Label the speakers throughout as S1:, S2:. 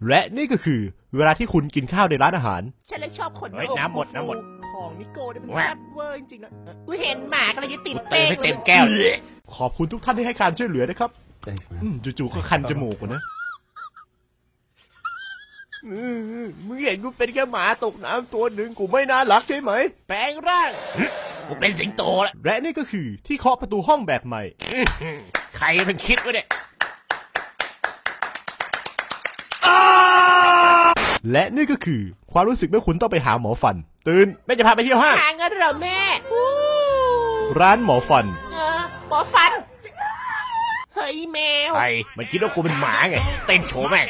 S1: และนี่ก็คือเวลาที่คุณกินข้าวในร้านอาหาร
S2: ฉันเลยชอบคน
S3: น้ำหมด
S2: ของนิโก้เนี่ยมันแซ่บเวอร์จริงๆนะกูเห็นหมากำลังจะติดเป้ง
S3: ไม่เต็มแก้ว
S1: ขอบคุณทุกท่านที่ให้การช่วยเหลือนะครับจู่ๆก็คันจมูกนะมึงเห็นกูเป็นแค่หมาตกน้ำตัวหนึ่งกูไม่น่ารักใช่ไหมแปลงร่าง
S3: กูเป็นสิงโตแล้ว
S1: และนี่ก็คือที่เคาะประตูห้องแบบใหม่
S3: ใครมันคิดวะเนี่ย
S1: และนี่ก็คือความรู้สึกเมื่อคุณต้องไปหาหมอฟันตื่นแม่จะพาไปเที่ยวห้าง
S2: หาเงินเหรอแม่
S1: ร้านหมอฟัน
S2: หมอฟันเฮ้ยแมว
S3: ใครมันคิดว่ากูเป็นหมาไงเต้นโชว์แม่ง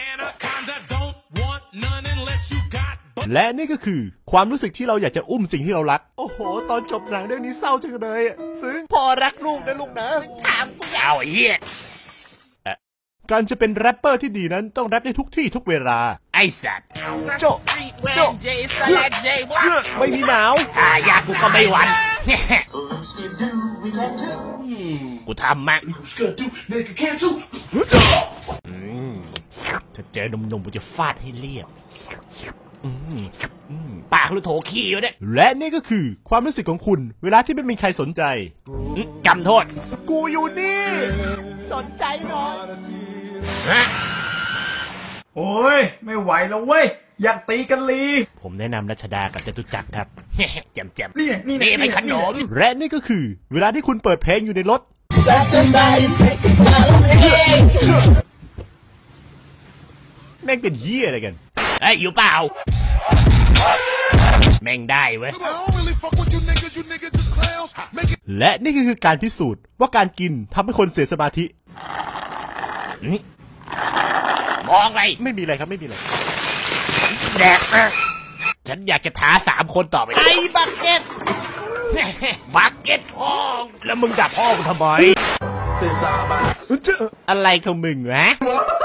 S1: และนี่ก็คือความรู้สึกที่เราอยากจะอุ้มสิ่งที่เรารักโอ้โหตอนจบหนังเรื่องนี้เศร้าจังเลยซึ้ง
S2: พอรักลูกนะลูกนะถามกูอยาก
S3: เอาไอ้เหี้ย
S1: การจะเป็นแรปเปอร์ที่ดีนั้นต้องแรปได้ทุกที่ทุกเวลา
S3: ไอ้สัตว์
S1: โจ๊ะไม่มีหนาว
S3: อยากกูก็ไม่หวั่นกูทำมั้งถ้าเจอหนุ่มๆกูจะฟาดให้เรียบปากหรือโถขี้วะเนี่ย
S1: และนี่ก็คือความรู้สึกของคุณเวลาที่ไม่มีใครสนใจ
S3: จำโทษ
S1: กูอยู่นี่
S2: สนใจหน่อย
S4: โอ้ยไม่ไหวแล้วเว้ยอยากตีกันลี
S1: ผมแนะนำรัชดากับจตุจักรครับ
S3: แจ่ม
S4: นี่
S3: เป็นขนม
S1: และนี่ก็คือเวลาที่คุณเปิดเพลงอยู่ในรถแม่งเป็นเหี้ยอะไรกัน
S3: อยู่เปล่าแม่งได้เว้ย
S1: และนี่คือการพิสูจน์ว่าการกินทำให้คนเสียสมาธิ
S3: มองอะไร
S1: ไม่มีอะไรครับไม่มีอะไร
S3: แดกฉันอยากจะท้า3 คนต่อไป
S2: ไอ้บักเก็ต
S3: พ่อแล้วมึงจับพ่อกูทำไม
S1: อะไรของมึงวะ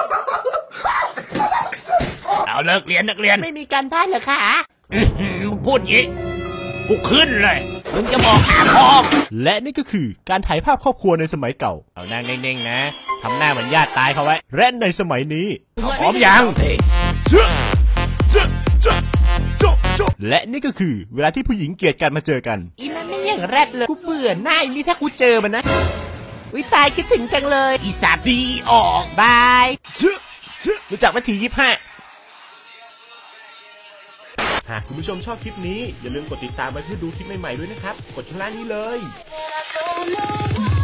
S3: เอาเลิกเรียนนักเรียน
S2: ไม่มีการบ้านเหรอคะ
S3: พูดอย่างนี้กูขึ้นเลยมึงจะบอกหาพ่อ
S1: และนี่ก็คือการถ่ายภาพครอบครัวในสมัยเก่า
S3: เอานั่งนิ่งๆนะทำหน้าเหมือนญาติตายเขาไว้
S1: และในสมัยนี้
S3: พร้อมยัง
S1: และนี่ก็คือเวลาที่ผู้หญิงเกลียดกันมาเจอกัน
S2: อีนั่นไม่อย่างแรดเลยกูเบื่อหน้าอีนี่ถ้ากูเจอมันนะวิตายคิดถึงจังเลย
S3: อีสาดีออก
S2: บาย
S1: รู้จักวิธี25หากคุณผู้ชมชอบคลิปนี้อย่าลืมกดติดตามไปเพื่อดูคลิปใหม่ๆด้วยนะครับกดข้างล่างนี้เลย